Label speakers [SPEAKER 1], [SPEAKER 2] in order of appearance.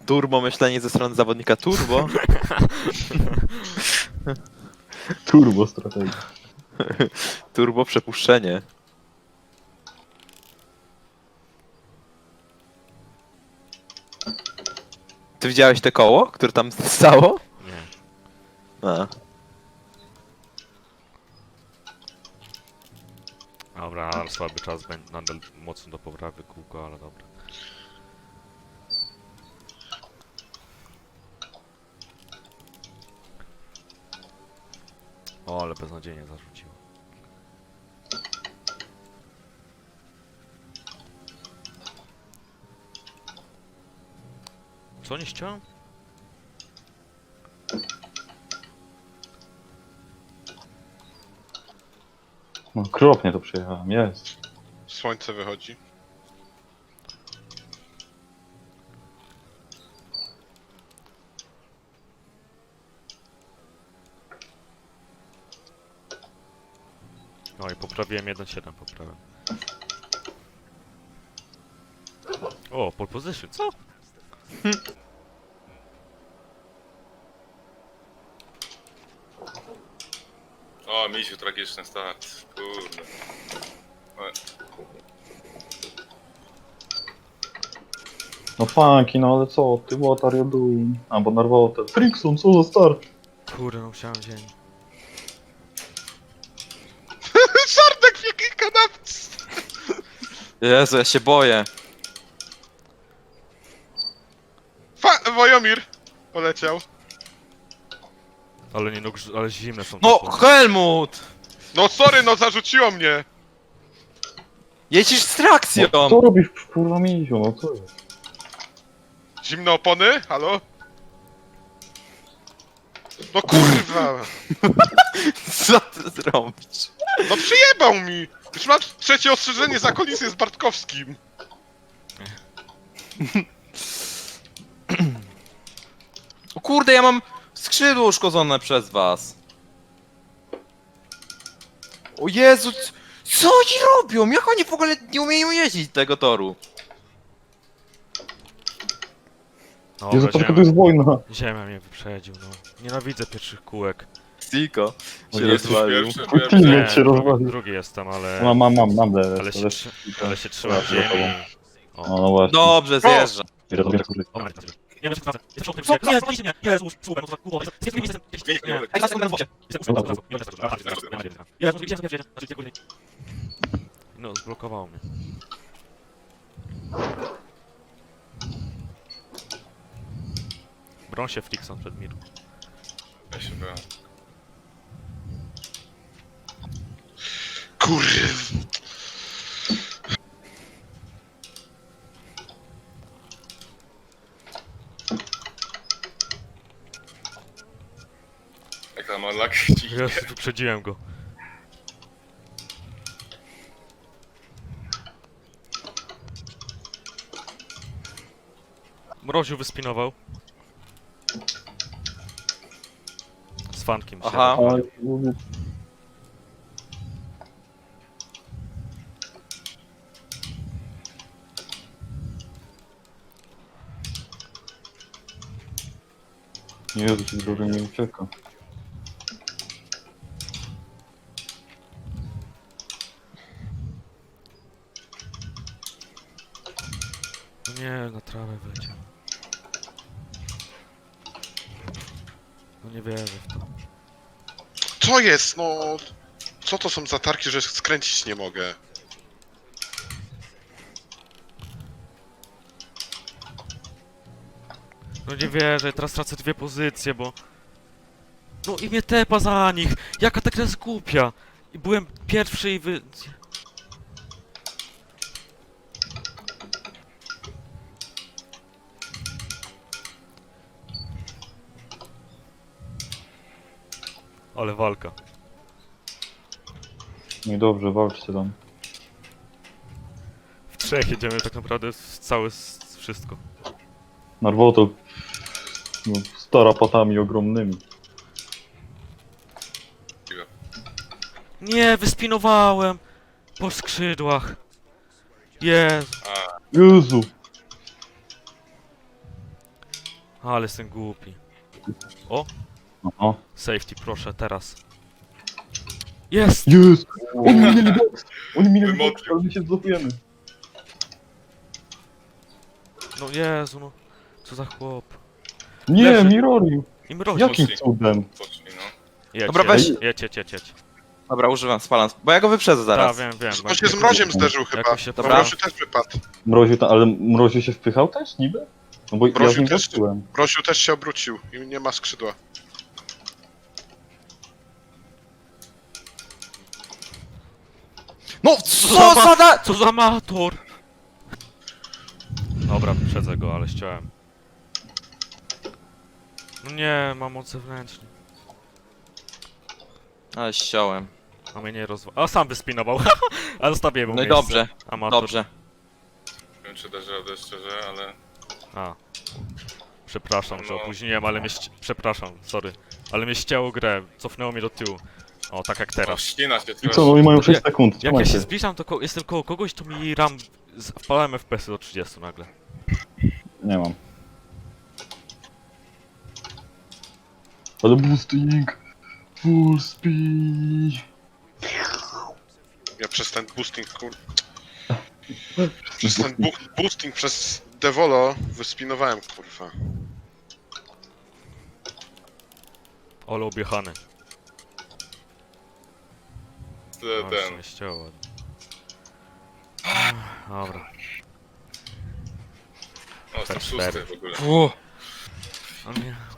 [SPEAKER 1] Turbo myślenie ze strony zawodnika Turbo.
[SPEAKER 2] Turbo strategia.
[SPEAKER 1] Turbo przepuszczenie. Ty widziałeś te koło, które tam stało?
[SPEAKER 3] Nie.
[SPEAKER 1] A.
[SPEAKER 3] Dobra, ale słaby czas będzie nadal mocno do poprawy kółko, ale dobra. O, ale beznadziejnie zarzuciło. Co nie ściąłem?
[SPEAKER 2] No okropnie to przejechałem, jest.
[SPEAKER 4] Słońce wychodzi.
[SPEAKER 3] No i poprawiłem 1.7, poprawiam. O, pole position, co?
[SPEAKER 5] O, misiu, tragiczny start. Kurde.
[SPEAKER 2] No funky, no ale co ty, what are you doing? Albo narwało te Frickson, co za start?
[SPEAKER 3] Kurde, no musiałem wziąć.
[SPEAKER 4] Sardek w jakiej kanapce!
[SPEAKER 1] Jezu, ja się boję.
[SPEAKER 4] Wojomir poleciał.
[SPEAKER 3] Ale nie no, ale zimne są te
[SPEAKER 1] No,
[SPEAKER 3] słony.
[SPEAKER 1] Helmut!
[SPEAKER 4] No sorry, no zarzuciło mnie!
[SPEAKER 1] Jeździsz z trakcją!
[SPEAKER 2] No, co robisz kurwa misiu, no co jest?
[SPEAKER 4] Zimne opony? Halo? No kurwa!
[SPEAKER 1] Co ty zrobisz?
[SPEAKER 4] No przyjebał mi! Już mam trzecie ostrzeżenie za kolisję z Bartkowskim.
[SPEAKER 1] O kurde, ja mam skrzydło uszkodzone przez was. O Jezu, co oni robią? Jak oni w ogóle nie umieją jeździć tego toru?
[SPEAKER 3] Dobra,
[SPEAKER 2] Jezu, tylko to jest wojna.
[SPEAKER 3] Ziemia mnie wyprzedził, no. Nienawidzę pierwszych kółek.
[SPEAKER 1] Siko
[SPEAKER 2] O
[SPEAKER 1] się
[SPEAKER 2] Jezu,
[SPEAKER 1] rozwalił.
[SPEAKER 5] Pierwszy,
[SPEAKER 2] Teammate się
[SPEAKER 3] drugi,
[SPEAKER 2] rozwalił.
[SPEAKER 3] drugi jestem, ale...
[SPEAKER 2] Mam DRS.
[SPEAKER 3] Ale się trzymam w ziemi. O.
[SPEAKER 2] No właśnie.
[SPEAKER 1] Dobrze, zjeżdżam.
[SPEAKER 2] Ja robię tak, kurde.
[SPEAKER 3] Dobra, nie wiem, co nie, zwaliście mnie! Jezus, słuchaj, no to kurwa, jestem...
[SPEAKER 1] Ej, zaraz będę w wodzie.
[SPEAKER 3] No, zblokowało mnie. Broń się Frickson przed mir.
[SPEAKER 5] Ja się byłem.
[SPEAKER 4] Kurw.
[SPEAKER 5] Jak tam Orlak ci
[SPEAKER 3] Jezu, wyprzedziłem go. Mroziu wyspinował. Z fankiem się.
[SPEAKER 1] Aha.
[SPEAKER 2] Ale mówię, Jezu, ci drogi nie ucieka.
[SPEAKER 3] No nie, na trawę wleciał. No nie wierzę w to.
[SPEAKER 4] Co jest, no? Co to są za tarki, że skręcić nie mogę?
[SPEAKER 3] No nie wierzę, teraz tracę dwie pozycje, bo... No i mnie tepa za nich! Jaka ta gra jest głupia! I byłem pierwszy i wy... Ale walka.
[SPEAKER 2] No i dobrze, walczcie tam.
[SPEAKER 3] W trzech jedziemy tak naprawdę całe wszystko.
[SPEAKER 2] Narwoto no, z tarapatami ogromnymi.
[SPEAKER 3] Nie, wyspinowałem! Po skrzydłach. Jezu.
[SPEAKER 2] Jezu!
[SPEAKER 3] Ale jestem głupi.
[SPEAKER 2] Aha.
[SPEAKER 3] Safety, proszę, teraz. Jest!
[SPEAKER 2] Jest! Oni minęli box! Oni minęli box,
[SPEAKER 5] Wymoczył.
[SPEAKER 2] ale my się zblokujemy.
[SPEAKER 3] No Jezu, no. Co za chłop.
[SPEAKER 2] Nie,
[SPEAKER 3] Leży.
[SPEAKER 2] Mirori!
[SPEAKER 3] I mrozi.
[SPEAKER 2] Jakim
[SPEAKER 5] Poszli.
[SPEAKER 2] cudem?
[SPEAKER 5] Poszli, no.
[SPEAKER 3] Jedź,
[SPEAKER 1] Dobra,
[SPEAKER 3] jedź,
[SPEAKER 1] weź-
[SPEAKER 3] jedź.
[SPEAKER 1] Dobra, używam, spalam, bo ja go wyprzedzę zaraz.
[SPEAKER 3] Tak, wiem.
[SPEAKER 4] On się z mroziem zderzył chyba.
[SPEAKER 3] Jakoś się
[SPEAKER 1] Dobra.
[SPEAKER 4] Mroziu też wypadł.
[SPEAKER 2] Mroziu tam, ale Mroziu się wpychał też niby? No bo ja z
[SPEAKER 4] Mroziu
[SPEAKER 2] nim
[SPEAKER 4] też.
[SPEAKER 2] walczyłem.
[SPEAKER 4] Mroziu też się obrócił i nie ma skrzydła.
[SPEAKER 1] No co za da...
[SPEAKER 3] Co za amator! Dobra, wyprzedzę go, ale ściąłem. No nie, mam moc zewnętrzną.
[SPEAKER 1] Ale ściąłem.
[SPEAKER 3] A mnie nie rozwa... A sam wyspinował. A zostawię mu
[SPEAKER 1] No i
[SPEAKER 3] miejsce.
[SPEAKER 1] dobrze,
[SPEAKER 3] Amator.
[SPEAKER 1] dobrze.
[SPEAKER 5] Nie wiem, czy dasz radę szczerze, ale...
[SPEAKER 3] A. Przepraszam, że
[SPEAKER 5] No.
[SPEAKER 3] opóźniłem, ale mnie przepraszam, sorry. Ale mnie ścięło grę, cofnęło mnie do tyłu. O, tak jak
[SPEAKER 5] O,
[SPEAKER 3] teraz.
[SPEAKER 5] ścina się
[SPEAKER 2] I
[SPEAKER 5] teraz.
[SPEAKER 2] co, no i mają 6
[SPEAKER 3] Jak-
[SPEAKER 2] sekund,
[SPEAKER 3] Jak ja
[SPEAKER 2] trzymajcie.
[SPEAKER 3] się zbliżam, to jestem koło kogoś, to mi ram... Wpalałem FPS-y do 30 nagle.
[SPEAKER 2] Nie mam. Ale boosting! Full speed!
[SPEAKER 4] Ja przez ten boosting, Przez ten boosting przez Devolo wyspinowałem, kurwa.
[SPEAKER 3] Ole objechany. No,
[SPEAKER 5] Ten.
[SPEAKER 3] się nie ścięło ładnie. Dobra.
[SPEAKER 5] O, jestem
[SPEAKER 3] Cztery.
[SPEAKER 5] szósty w ogóle.
[SPEAKER 1] Uff.
[SPEAKER 3] O nie,